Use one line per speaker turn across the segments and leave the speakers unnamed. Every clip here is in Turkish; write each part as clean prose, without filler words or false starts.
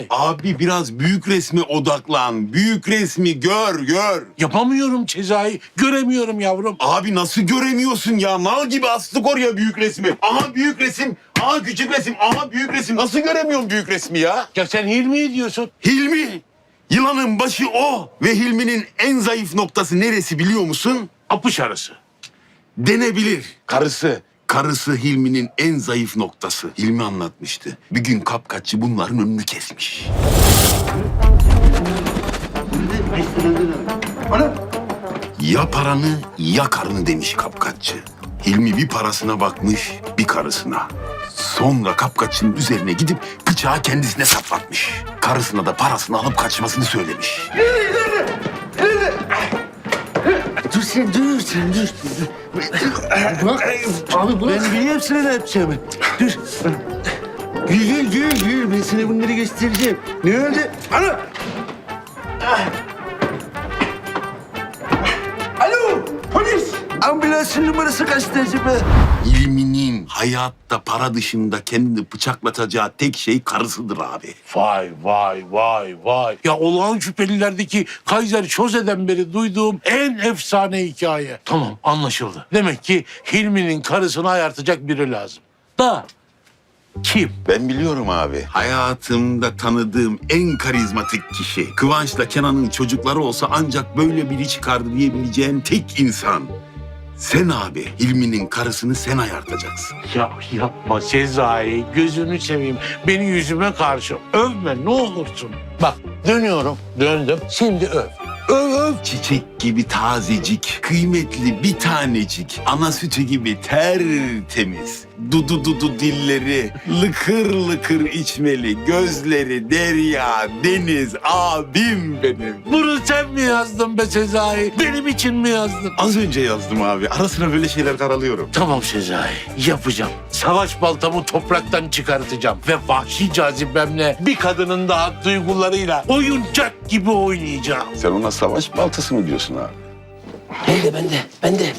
Abi biraz büyük resme odaklan. Büyük resmi gör.
Yapamıyorum Sezai. Göremiyorum yavrum.
Abi nasıl göremiyorsun ya? Mal gibi astık oraya büyük resmi. Aha büyük resim, aha küçük resim, aha büyük resim. Nasıl göremiyorsun büyük resmi ya?
Ya sen Hilmi diyorsun.
Hilmi. Yılanın başı o. Ve Hilmi'nin en zayıf noktası neresi biliyor musun?
Apış arası.
Denebilir. Karısı Hilmi'nin en zayıf noktası. Hilmi anlatmıştı. Bir gün kapkaççı bunların önünü kesmiş. Ya paranı ya karını demiş kapkaççı. Hilmi bir parasına bakmış, bir karısına. Sonra kapkaççının üzerine gidip bıçağı kendisine saplatmış. Karısına da parasını alıp kaçmasını söylemiş.
Dur sen dur. Bak abi bırak. Ben biliyorum sana ne yapacağımı. Dur. Gül. Ben sana bunları göstereceğim. Ne oldu? Ana! Alo! Polis! Ambulansın numarası kaçtı acaba?
Hilmi'nin hayatta para dışında kendini bıçaklatacağı tek şey karısıdır abi.
Vay. Ya olağan şüphelilerdeki Kaiser Çoze'den beri duyduğum en efsane hikaye. Tamam, anlaşıldı. Demek ki Hilmi'nin karısını ayartacak biri lazım. Da kim?
Ben biliyorum abi. Hayatımda tanıdığım en karizmatik kişi. Kıvanç'la Kenan'ın çocukları olsa ancak böyle biri çıkardı diyebileceğim tek insan. Sen abi. Hilmi'nin karısını sen ayartacaksın.
Ya yapma Sezai, gözünü seveyim. Beni yüzüme karşı övme ne olursun. Bak döndüm. Şimdi öv. Öv.
Çiçek gibi tazecik, kıymetli bir tanecik, ana sütü gibi tertemiz, dudu dilleri, lıkır içmeli, gözleri derya, deniz, abim benim.
Bunu sen mi yazdın be Sezai? Benim için mi yazdın?
Az önce yazdım abi. Ara sıra böyle şeyler karalıyorum.
Tamam Sezai, yapacağım. Savaş baltamı topraktan çıkartacağım ve vahşi cazibemle bir kadının daha duygularıyla oyuncak gibi oynayacağım.
Sen ona savaş baltası mı diyorsun abi?
Ben de.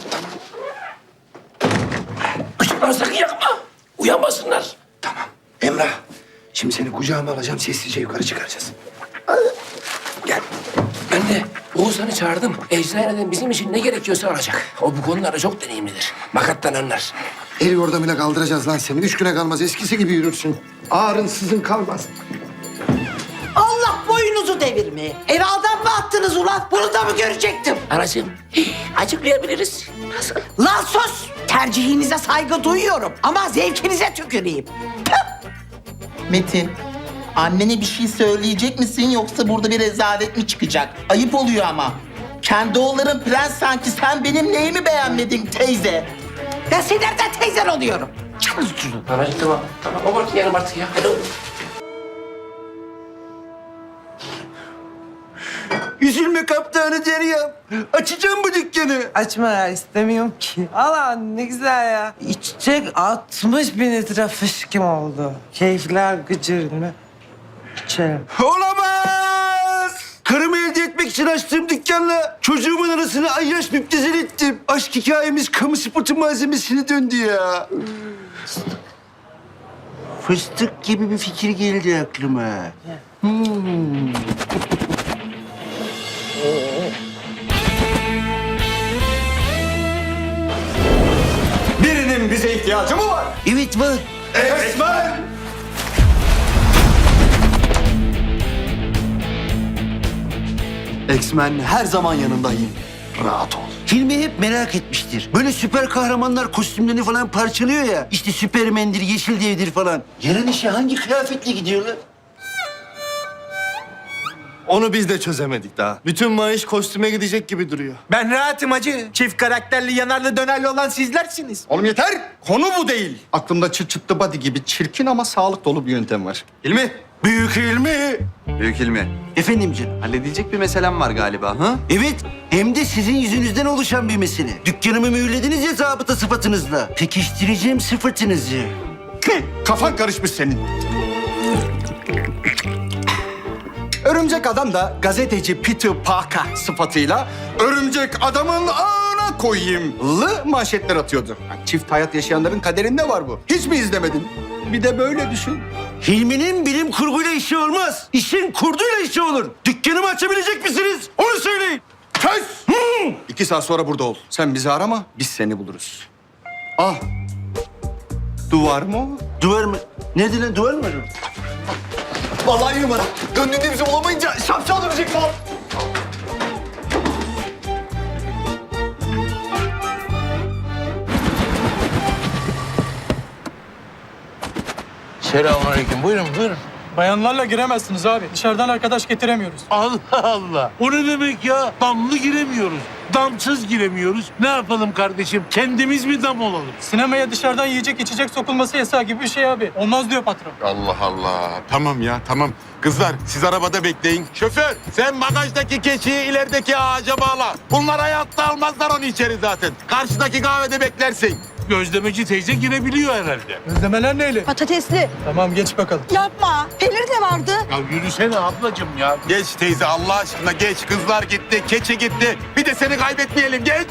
Işıkları sakın yakma. Uyanmasınlar.
Tamam. Emrah, şimdi seni kucağıma alacağım, sessizce yukarı çıkaracağız. Gel.
Ben de Oğuzhan'ı çağırdım. Eczaneden bizim için ne gerekiyorsa alacak. O bu konularda çok deneyimlidir. Makattan anlar.
El yordamıyla kaldıracağız lan seni. 3 güne kalmaz, eskisi gibi yürürsün. Ağrın sızın kalmaz.
Allah boynunuzu devirmeye. Eve adam mı attınız ulan? Bunu da mı görecektim?
Anacığım, açıklayabiliriz. Nasıl?
Lan sus! Tercihinize saygı duyuyorum ama zevkinize tüküreyim.
Metin, annene bir şey söyleyecek misin yoksa burada bir rezalet mi çıkacak? Ayıp oluyor ama. Kendi oğulların prens sanki, sen benim neyimi beğenmedin teyze?
Ben senin nereden teyzen oluyorum?
Anacığım tamam. Abartmayalım artık ya. Hadi oğlum.
Üzülme kaptanı Deryam. Açacağım bu dükkanı.
Açma ya, istemiyorum ki. Allah ne güzel ya. İçecek 60 bin litre fışkım oldu. Keyifler gıcır mı? İçerim.
Olamaz! Karımı elde etmek için açtığım dükkanla çocuğumun arasına ayyaş müptezel ettim. Aşk hikayemiz kamu spotu malzemesine döndü ya. Fıstık gibi bir fikir geldi aklıma.
Birinin bize ihtiyacı mı var?
Evet var.
Esmer! X-Men her zaman yanındayım. Rahat ol.
Hilmi hep merak etmiştir. Böyle süper kahramanlar kostümlerini falan parçalıyor ya. İşte Süpermen'dir, Yeşil Dev'dir falan. Yarın işe hangi kıyafetle gidiyorlar?
Onu biz de çözemedik daha. Bütün maaş kostüme gidecek gibi duruyor.
Ben rahatım hacı. Çift karakterli, yanarlı dönerli olan sizlersiniz.
Oğlum yeter! Konu bu değil. Aklımda çıt çıtlı body gibi çirkin ama sağlık dolu bir yöntem var. İlmi!
Büyük Hilmi.
Büyük Hilmi,
Efendim canım.
halledecek bir meselem var galiba, ha?
Evet, hem de sizin yüzünüzden oluşan bir mesele. Dükkanımı mühürlediniz ya zabıta sıfatınızla. Pekiştireceğim sıfatınızı.
Kafan karışmış senin. Örümcek Adam da gazeteci Peter Parker sıfatıyla örümcek adamın ağına koyayımlı manşetler atıyordu. Yani çift hayat yaşayanların kaderinde var bu. Hiç mi izlemedin? Bir de böyle düşün.
Hilmi'nin bilim kurguyla işi olmaz. İşin kurduyla işi olur. Dükkanımı açabilecek misiniz? Onu söyleyin.
Kes! 2 saat sonra burada ol. Sen bizi arama, biz seni buluruz. Ah! Duvar mı o?
Duvar mı? Nerede lan duvar mı?
Vallahi numara. Döndüğünde bizi bulamayınca şapşal dönecek falan.
Selamünaleyküm. Buyurun, buyurun.
Bayanlarla giremezsiniz abi. Dışarıdan arkadaş getiremiyoruz.
Allah Allah. O ne demek ya? Damlı giremiyoruz. Damsız giremiyoruz. Ne yapalım kardeşim? Kendimiz mi dam olalım?
Sinemaya dışarıdan yiyecek içecek sokulması yasağı gibi bir şey abi. Olmaz diyor patron.
Allah Allah. Tamam ya tamam. Kızlar siz arabada bekleyin. Şoför sen bagajdaki keçiyi ilerideki ağaca bağla. Bunlar hayatta almazlar onu içeri zaten. Karşıdaki kahvede beklersin.
Gözlemeci teyze girebiliyor herhalde.
Özlemeler neyle?
Patatesli.
Tamam geç bakalım.
Yapma. Peynir de vardı.
Ya yürüsene ablacığım ya.
Geç teyze Allah aşkına geç. Kızlar gitti, keçi gitti. Bir de seni kaybetmeyelim geç.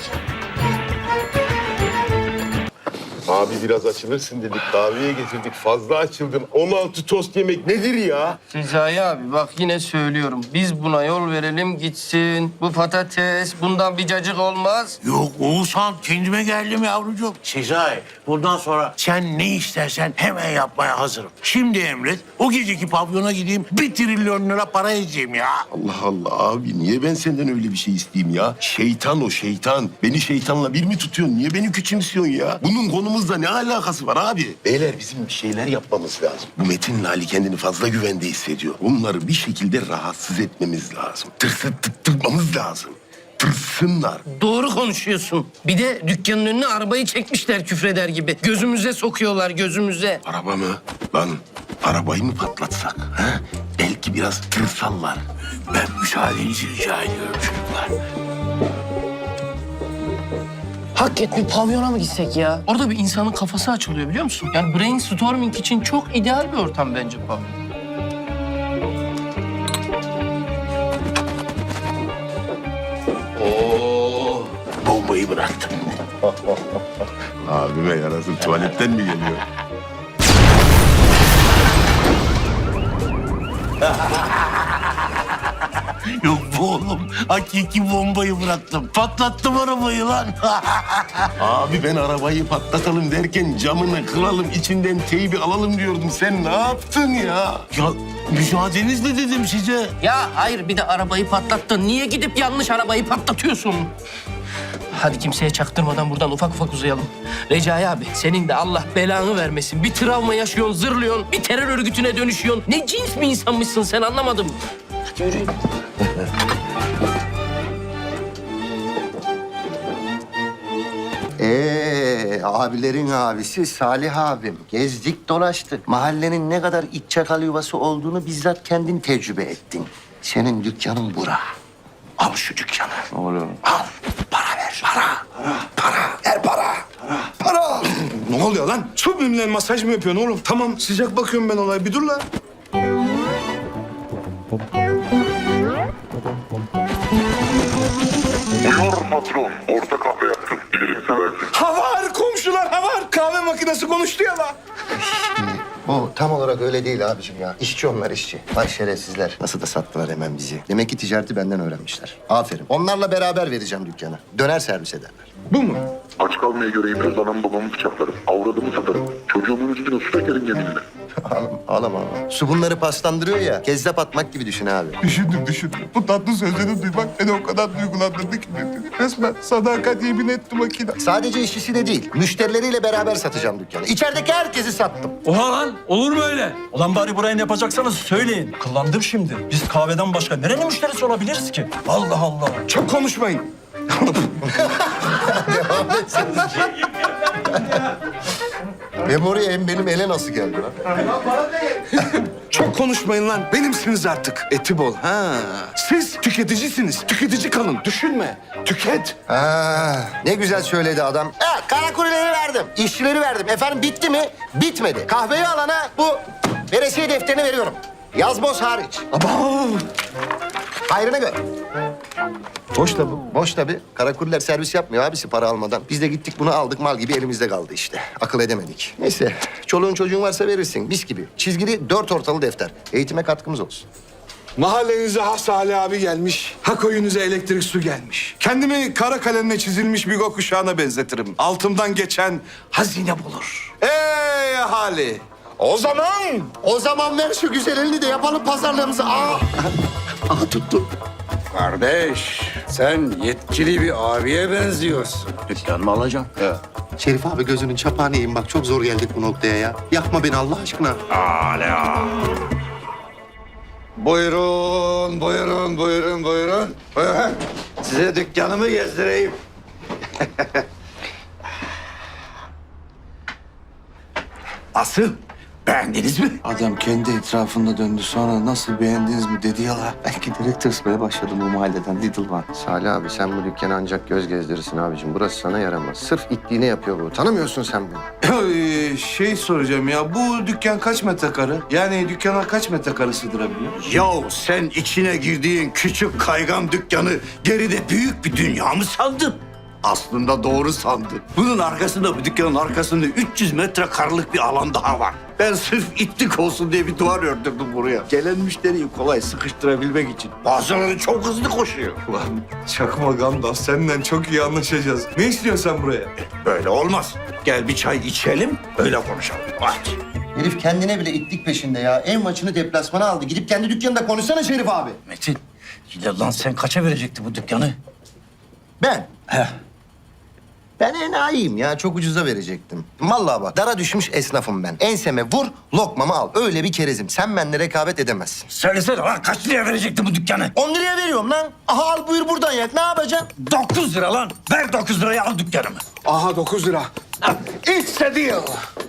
Abi biraz açılırsın dedik. Kahveye getirdik. Fazla açıldın. 16 tost yemek nedir ya?
Sezai abi bak yine söylüyorum. Biz buna yol verelim gitsin. Bu patates bundan bir cacık olmaz.
Yok Oğuzhan kendime geldim yavrucuğum. Sezai bundan sonra sen ne istersen hemen yapmaya hazırım. Şimdi emret o geceki pavyona gideyim 1 trilyon lira para edeceğim ya.
Allah Allah abi niye ben senden öyle bir şey isteyeyim ya? Şeytan o şeytan. Beni şeytanla bir mi tutuyorsun? Niye beni küçümsüyorsun ya? Bunun konumuzla ne alakası var abi? Beyler bizim bir şeyler yapmamız lazım. Bu Metin'le Ali kendini fazla güvende hissediyor. Onları bir şekilde rahatsız etmemiz lazım. Tırsıttırmamız lazım. Tırsınlar.
Doğru konuşuyorsun. Bir de dükkanın önüne arabayı çekmişler küfreder gibi. Gözümüze sokuyorlar gözümüze.
Araba mı? Lan arabayı mı patlatsak? Ha? Belki biraz tırsallar.
Ben müsaadenizi rica ediyorum çocuklar.
Hakikaten bir pavyona mı gitsek ya? Orada bir insanın kafası açılıyor biliyor musun? Yani brainstorming için çok ideal bir ortam bence pavyon.
Oo, bombayı bıraktım.
Abime yarasın tuvaletten mi geliyor?
Yok bu oğlum. Hakiki bombayı bıraktım. Patlattım arabayı lan.
Abi ben arabayı patlatalım derken camını kıralım, içinden teybi alalım diyordum. Sen ne yaptın ya?
Ya müsaadenizle dedim size.
Ya hayır bir de arabayı patlattın. Niye gidip yanlış arabayı patlatıyorsun? Hadi kimseye çaktırmadan buradan ufak ufak uzayalım. Recai abi senin de Allah belanı vermesin. Bir travma yaşıyorsun, zırlıyorsun, bir terör örgütüne dönüşüyorsun. Ne cins bir insanmışsın sen anlamadım. Hadi yürüyün.
Abilerin abisi Salih abim. Gezdik dolaştık. Mahallenin ne kadar iç çakal yuvası olduğunu bizzat kendin tecrübe ettin. Senin dükkanın bura. Al şu dükkanı.
Oğlum.
Al. Para ver. Para. Ver para. Para.
Ne oluyor lan? Su bimle masaj mı yapıyorsun oğlum? Tamam sıcak bakıyorum ben olaya. Bir dur lan.
Buyur patron. Orta kahve yaptım. Dilerim seversin.
Havar komşular havar. Kahve makinesi konuştu ya lan.
Bu tam olarak öyle değil abicim ya. İşçi onlar işçi. Vay şerefsizler. Nasıl da sattılar hemen bizi. Demek ki ticareti benden öğrenmişler. Aferin. Onlarla beraber vereceğim dükkanı. Döner servis ederler.
Bu mu?
Aç kalmaya göreyim. Öz anam babamı bıçaklarım. Avradımı satarım. Çocuğumun üstüne su dökerim yeminle.
Ağlama. Su bunları paslandırıyor ya. Kezzap atmak gibi düşün abi.
Düşündüm. Bu tatlı sözleri duymak beni o kadar duygulandırdı ki. Resmen sadakat yemin etti makine.
Sadece işçisi de değil. Müşterileriyle beraber satacağım dükkanı. İçerideki herkesi sattım.
Oha lan olur mu öyle? Ulan bari burayı ne yapacaksanız söyleyin. Kıllandım şimdi. Biz kahveden başka nerenin müşterisi olabiliriz ki? Allah Allah.
Çok konuşmayın.
Memoriye hem benim ele nasıl geldi lan?
Çok konuşmayın lan. Benimsiniz artık. Eti bol. Ha. Siz tüketicisiniz. Tüketici kalın. Düşünme. Tüket.
Ne güzel söyledi adam. Kara kuruleri verdim. İşçileri verdim. Efendim bitti mi? Bitmedi. Kahveyi alana bu veresiye defterini veriyorum. Yazboz hariç. Hayrını gör. Boş da bu. Boş tabii. Karakuller servis yapmıyor abisi para almadan. Biz de gittik bunu aldık mal gibi elimizde kaldı işte. Akıl edemedik. Neyse çoluğun çocuğun varsa verirsin mis gibi. Çizgili 4 ortalı defter. Eğitime katkımız olsun.
Mahallenize ha Salih abi gelmiş, ha koyunuza elektrik su gelmiş. Kendimi kara kalemle çizilmiş bir gökkuşağına benzetirim. Altımdan geçen hazine bulur. Ey ahali! O zaman
ver şu güzel elini de yapalım pazarlığımızı. Aa tuttu.
kardeş, sen yetkili bir abiye benziyorsun. Dükkan mı alacaksın? Evet.
Şerif abi gözünün çapağını yiyin bak çok zor geldik bu noktaya ya. Yakma beni Allah aşkına.
Buyurun. Buyurun. Size dükkanımı gezdireyim. Nasıl? Beğendiniz mi?
Adam kendi etrafında döndü sonra nasıl beğendiniz mi dedi ya la.
Belki direkt tırsmaya başladım bu mahalleden Little One. Salih abi sen bu dükkanı ancak göz gezdirirsin abicim. Burası sana yaramaz. Sırf itliğine yapıyor bu. Tanımıyorsun sen beni.
Şey soracağım ya, bu dükkan kaç metrekare? Yani dükkana kaç metrekare sığdırabiliyor?
Yahu sen içine girdiğin küçük kaygan dükkanı geride büyük bir dünya mı sandın? Aslında doğru sandın. Bunun arkasında, bu dükkanın arkasında 300 metrekarelik bir alan daha var. Ben sırf itlik olsun diye bir duvar ördürdüm buraya. Gelen müşteriyi kolay sıkıştırabilmek için. Bazıları çok hızlı koşuyor.
Ulan çakma Gandalf, seninle çok iyi anlaşacağız. Ne istiyorsun sen buraya?
Böyle olmaz. Gel bir çay içelim, öyle konuşalım. Hadi.
Herif kendine bile itlik peşinde ya. Ev maçını deplasmana aldı. Gidip kendi dükkanında konuşsana Şerif abi.
Metin, lan sen kaça verecekti bu dükkanı?
Ben?
He.
Ben enayiyim ya. Çok ucuza verecektim. Vallahi bak dara düşmüş esnafım ben. Enseme vur, lokmamı al. Öyle bir kerezim. Sen benimle rekabet edemezsin.
Söylesene lan kaç liraya verecekti bu dükkanı?
10 liraya veriyorum lan. Aha al buyur buradan yak. Ne yapacaksın?
9 lira lan. Ver 9 liraya al dükkanımı.
Aha 9 lira.
It's a deal.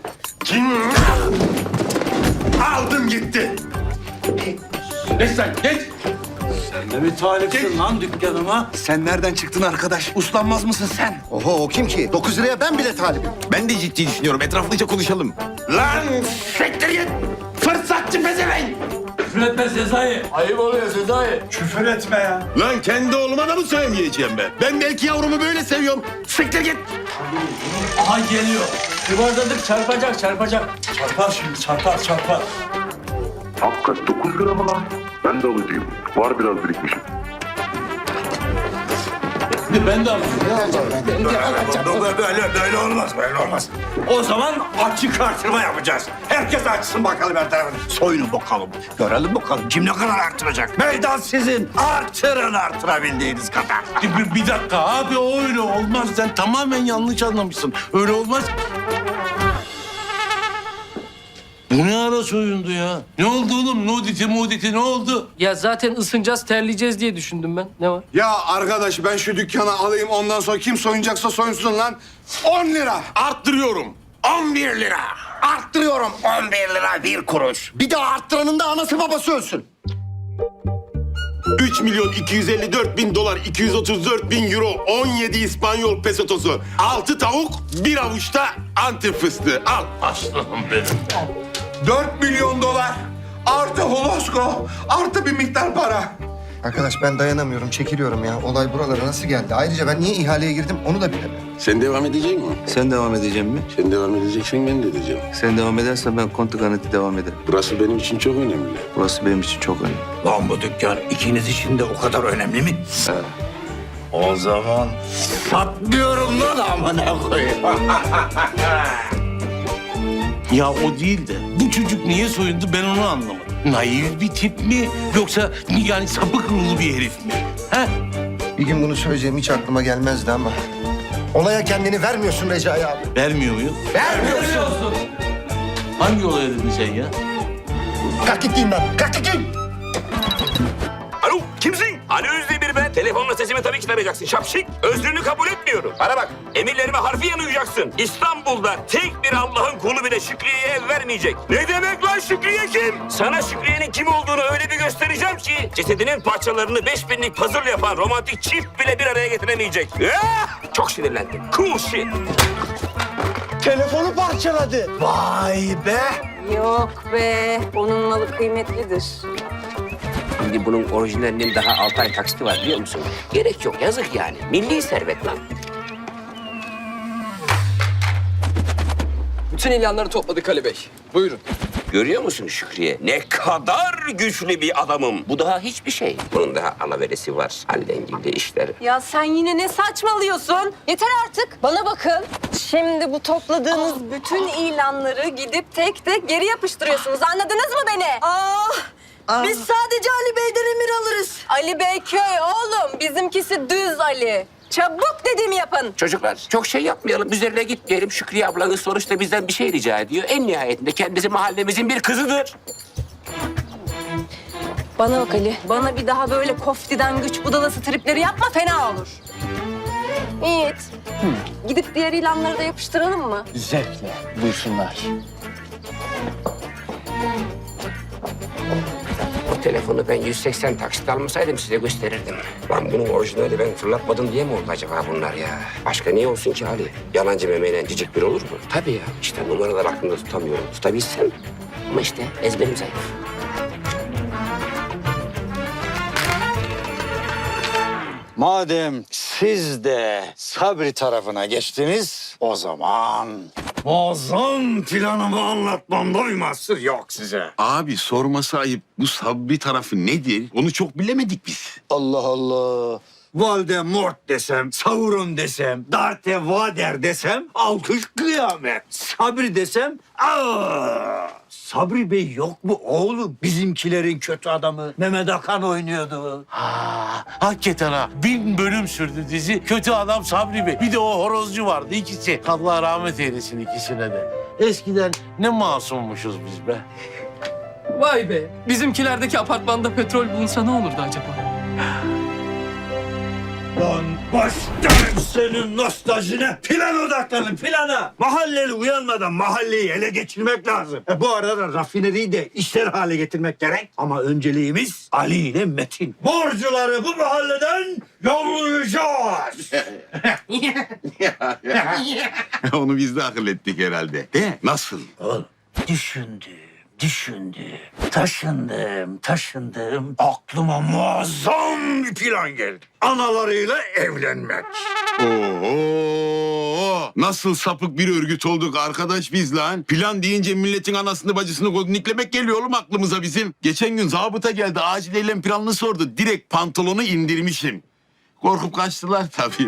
Aldım gitti.
Geç lan geç.
Ne mi talipsin lan dükkanıma?
Sen nereden çıktın arkadaş? Uslanmaz mısın sen?
Oho o kim ki? 9 liraya ben bile talibim.
Ben de ciddi düşünüyorum. Etraflıca konuşalım.
Lan siktir git. Fırsatçı pezevenk.
Küfür etme Sezai.
Ayıp oluyor Sezai.
Küfür etme ya.
Lan kendi oğluma da mı söyleyeceğim ben? Ben belki yavrumu böyle seviyorum.
Siktir git.
Aha geliyor. Yuvarladık çarpacak. Çarpar şimdi çarpar.
Hakikat 9 lira mı lan? Ben de alıcıyım. Var biraz birikmişim.
Ben de alayım.
Böyle olmaz. O zaman açık artırma yapacağız. Herkes açsın bakalım her tarafını. Soyunun bakalım. Görelim bakalım kim ne kadar artıracak. Meydan sizin. Artırın artırabildiğiniz kadar.
Bir dakika abi o öyle olmaz. Sen tamamen yanlış anlamışsın. Öyle olmaz. Bu ne ara soyundu ya? Ne oldu oğlum? Nuditi ne oldu?
Ya zaten ısınacağız, terleyeceğiz diye düşündüm ben. Ne var?
Ya arkadaş ben şu dükkanı alayım ondan sonra kim soyunacaksa soyunsun lan. 10 lira.
Arttırıyorum.
11 lira. Arttırıyorum 11 lira 1 kuruş.
Bir de arttıranın da anası babası ölsün.
3.254.000 $234.000 17 İspanyol pesotosu, 6 tavuk, 1 avuçta Antep fıstığı. Al.
Aslanım benim.
4 milyon dolar. Artı holosko. Artı bir miktar para.
Arkadaş ben dayanamıyorum, çekiliyorum ya. Olay buralara nasıl geldi? Ayrıca ben niye ihaleye girdim onu da bilemem.
Sen devam edecek misin?
Sen devam edeceğim mi?
Sen devam edeceksen ben de edeceğim.
Sen devam edersen ben kontu garanti devam ederim.
Burası benim için çok önemli.
Burası benim için çok önemli.
Lan bu dükkan ikiniz için de o kadar önemli mi?
Evet.
O zaman satmıyorum lan amına koyayım.
Ya o değil de bu çocuk niye soyundu ben onu anlamadım. Naif bir tip mi yoksa yani sapık ruhlu bir herif mi? He?
Bir gün bunu söyleyeceğim hiç aklıma gelmezdi ama. Olaya kendini vermiyorsun Recai abi.
Vermiyor muyum?
Vermiyorsun.
Hangi olaya dedin sen ya?
Kalk git diyeyim ben. Kalk git diyeyim.
Alo, kimsin? Ali Özdemir ben. Telefonla sesimi tabii ki tarayacaksın. Şapşik. Özrünü kabul etmiyorum. Bana bak. Emirlerime harfiyen uyacaksın. İstanbul'da tek bir Allah'ın kulu bile Şükriye'ye ev vermeyecek. Ne demek lan Şükriye kim? Sana Şükriye'nin kim olduğunu öyle bir göstereceğim ki cesedinin parçalarını 5000'lik puzzle yapan romantik çift bile bir araya getiremeyecek. Çok sinirlendim. Cool shit.
Telefonu parçaladı.
Vay be.
Yok be, onun malı kıymetlidir.
Şimdi bunun orijinalinin daha 6 ay taksiti var biliyor musun? Gerek yok, yazık yani. Milli servet lan.
Bütün ilanları topladık Ali Bey. Buyurun.
Görüyor musun Şükriye? Ne kadar güçlü bir adamım. Bu daha hiçbir şey. Bunun daha alaveresi var. Hallengilde işler.
Ya sen yine ne saçmalıyorsun? Yeter artık. Bana bakın. Şimdi bu topladığınız bütün ilanları gidip tek tek geri yapıştırıyorsunuz. Anladınız mı beni?
Biz sadece Ali Bey'den emir alırız.
Ali Bey köy oğlum. Bizimkisi düz Ali. Çabuk dediğimi yapın.
Çocuklar çok şey yapmayalım. Üzerine gitmeyelim. Şükriye ablanız sonuçta bizden bir şey rica ediyor. En nihayetinde kendisi mahallemizin bir kızıdır.
Bana bak Ali. Bana bir daha böyle koftiden güç budalası tripleri yapma, fena olur. Yiğit. Gidip diğer ilanları da yapıştıralım mı?
Zevkle. Buyursunlar.
O telefonu ben 180 taksit almasaydım size gösterirdim. Lan bunun orijinali ben fırlatmadım diye mi oldu acaba bunlar ya? Başka niye olsun ki Ali? Yalancı memeyle cicik bir olur mu? Tabii ya. İşte numaralar aklımda tutamıyorum. Tutabilsem. Ama işte ezberim zayıf.
Madem siz de Sabri tarafına geçtiniz, o zaman muazzam planımı anlatmamda bir mahsur yok size.
Abi sorması ayıp. Bu Sabri tarafı nedir? Onu çok bilemedik biz.
Allah Allah. Voldemort desem, Sauron desem, Darth Vader desem, alkış kıyamet. Sabri desem, Sabri Bey yok mu oğlum? Bizimkilerin kötü adamı Mehmet Akan oynuyordu.
Hakikaten ha. 1000 bölüm sürdü dizi. Kötü adam Sabri Bey. Bir de o horozcu vardı ikisi. Allah rahmet eylesin ikisine de. Eskiden ne masummuşuz biz be.
Vay be. Bizimkilerdeki apartmanda petrol bulunsa ne olurdu acaba?
Lan başlarım senin nostaljine. Plan odaklanın, plana. Mahalleli uyanmadan mahalleyi ele geçirmek lazım. Bu arada rafineriyi de işler hale getirmek gerek. Ama önceliğimiz Ali ile Metin. Borcuları bu mahalleden yollayacağız.
Onu biz de akıl ettik herhalde. De nasıl?
Oğlum düşündüm. Taşındım. Aklıma muazzam bir plan geldi. Analarıyla evlenmek.
Oo, nasıl sapık bir örgüt olduk arkadaş biz lan. Plan deyince milletin anasını bacısını godniklemek geliyor oğlum aklımıza bizim. Geçen gün zabıta geldi acil eylem planını sordu. Direkt pantolonu indirmişim. Korkup kaçtılar tabii.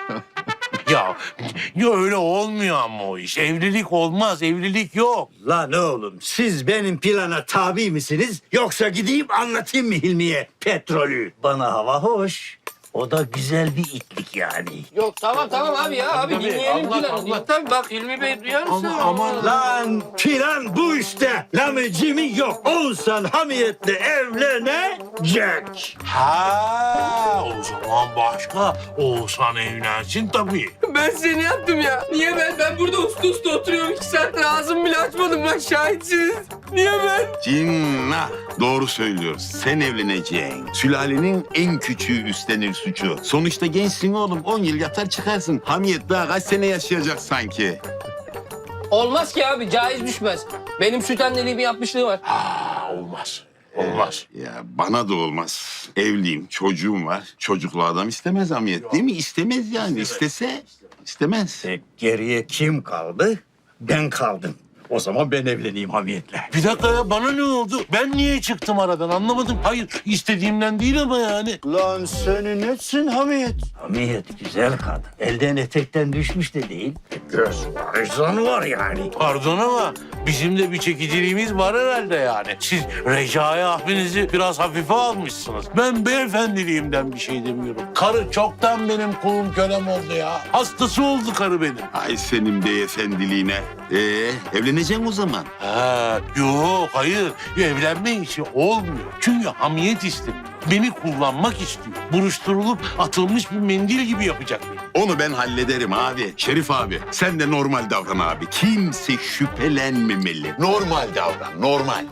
Ya öyle olmuyor ama o iş. Evlilik olmaz, evlilik yok.
Lan oğlum siz benim plana tabi misiniz? Yoksa gideyim anlatayım mı Hilmi'ye petrolü? Bana hava hoş. O da güzel bir itlik yani.
Yok tamam abi ya. Abi dinleyelim planı. Tabii bak Hilmi Bey duyar mısın?
Aman
Lan plan bu işte. Lamıcımı yok. Oğuzhan Hamiyet'le evlenecek.
Ha, o zaman başka. Oğuzhan evlensin tabii.
Ben seni yaptım ya. Niye ben? Ben burada usta oturuyorum. 2 saattir ağzımı bile açmadım. Bak şahitsiniz. Niye ben?
Cinnah. Doğru söylüyoruz. Sen evleneceksin. Sülalenin en küçüğü üstlenir suçu. Sonuçta gençsin oğlum. 10 yıl yatar çıkarsın. Hamiyet daha kaç sene yaşayacak sanki.
Olmaz ki abi. Caiz düşmez. Benim süt anneliğimi yapmışlığı var.
Olmaz. Olmaz.
Ya bana da olmaz. Evliyim, çocuğum var. Çocuklu adam istemez Hamiyet değil mi? İstemez yani. İstese istemez.
Geriye kim kaldı? Ben kaldım. O zaman ben evleneyim Hamiyet'le.
Bir dakika ya bana ne oldu? Ben niye çıktım aradan anlamadım. Hayır istediğimden değil ama yani.
Lan senin etsin Hamiyet. Hamiyet güzel kadın. Elden etekten düşmüş de değil. Göz var, izan var yani.
Pardon ama bizim de bir çekiciliğimiz var herhalde yani. Siz Recai abinizi biraz hafife almışsınız. Ben beyefendiliğimden bir şey demiyorum. Karı çoktan benim kulum kölem oldu ya. Hastası oldu karı benim.
Ay senin beyefendiliğine. Evleneceksin o zaman.
Yok hayır. Evlenme işi olmuyor. Çünkü hamiyet istemiyor. Beni kullanmak istiyor. Buruşturulup atılmış bir mendil gibi yapacak beni.
Onu ben hallederim abi. Şerif abi sen de normal davran abi. Kimse şüphelenmemeli. Normal davran, normal.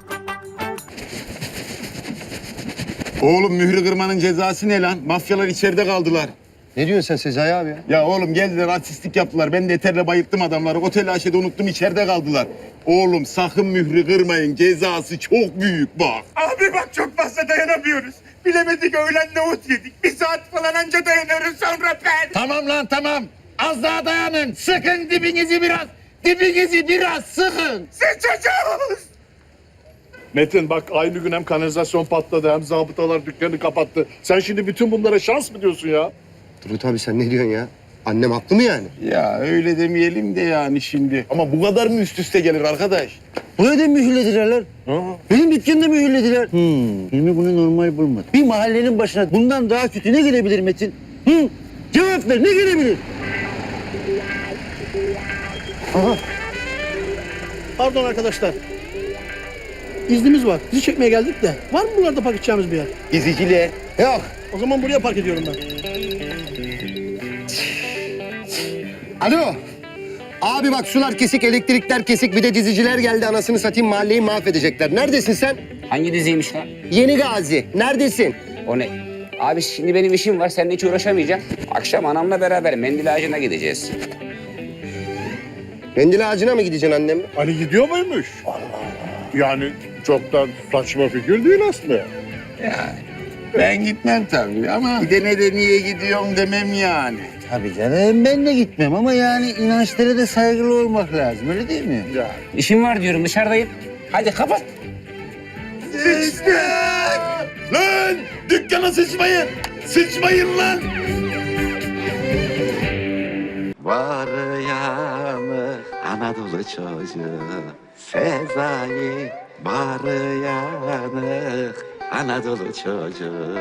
Oğlum mührü kırmanın cezası ne lan? Mafyalar içeride kaldılar.
Ne diyorsun sen Sezai abi ya?
Ya oğlum geldiler artistlik yaptılar. Ben de eterle bayılttım adamları. Otel aşede unuttum içeride kaldılar. Oğlum sakın mührü kırmayın. Cezası çok büyük bak. Abi bak çok fazla dayanamıyorum.
Bilemedik öğlen nohut yedik. Bir saat falan anca dayanırız sonra ben.
Tamam lan tamam. Az daha dayanın. Sıkın dibinizi biraz. Dibinizi biraz sıkın.
Sıçacağız.
Metin bak aynı gün hem kanalizasyon patladı hem zabıtalar dükkanı kapattı. Sen şimdi bütün bunlara şans mı diyorsun ya?
Turgut abi sen ne diyorsun ya? Annem haklı mı yani?
Ya öyle demeyelim de yani şimdi. Ama bu kadar mı üst üste gelir arkadaş?
Buraya da mühürlediler lan. Benim dükkanı da mühürlediler. Hilmi bunu normal bulmadı. Bir mahallenin başına bundan daha kötü ne gelebilir Metin? Cevap ver, ne gelebilir? Aha.
Pardon arkadaşlar. İznimiz var. Dizi çekmeye geldik de. Var mı buralarda park edeceğimiz bir yer?
Diziciliğe. Yok.
O zaman buraya park ediyorum ben.
Alo. Abi bak sular kesik, elektrikler kesik. Bir de diziciler geldi. Anasını satayım mahalleyi mahvedecekler. Neredesin sen?
Hangi diziymiş lan?
Yeni Gazi. Neredesin?
O ne? Abi şimdi benim işim var. Seninle hiç uğraşamayacağım. Akşam anamla beraber mendil ağacına gideceğiz.
Mendil ağacına mı gideceksin annemle?
Ali gidiyor muymuş? Yani çok da saçma fikir değil aslında.
Ben gitmem tabii ama gidene de niye gidiyorum demem yani.
Tabii canım ben de gitmem ama yani inançlara da saygılı olmak lazım öyle değil mi?
Ya.
İşim var diyorum dışarıdayım. Hadi kapat.
Lan dükkana sıçmayın. Sıçmayın lan.
Var yanı Anadolu çocuğu Sezai. Var yanı Anadolu çocuğu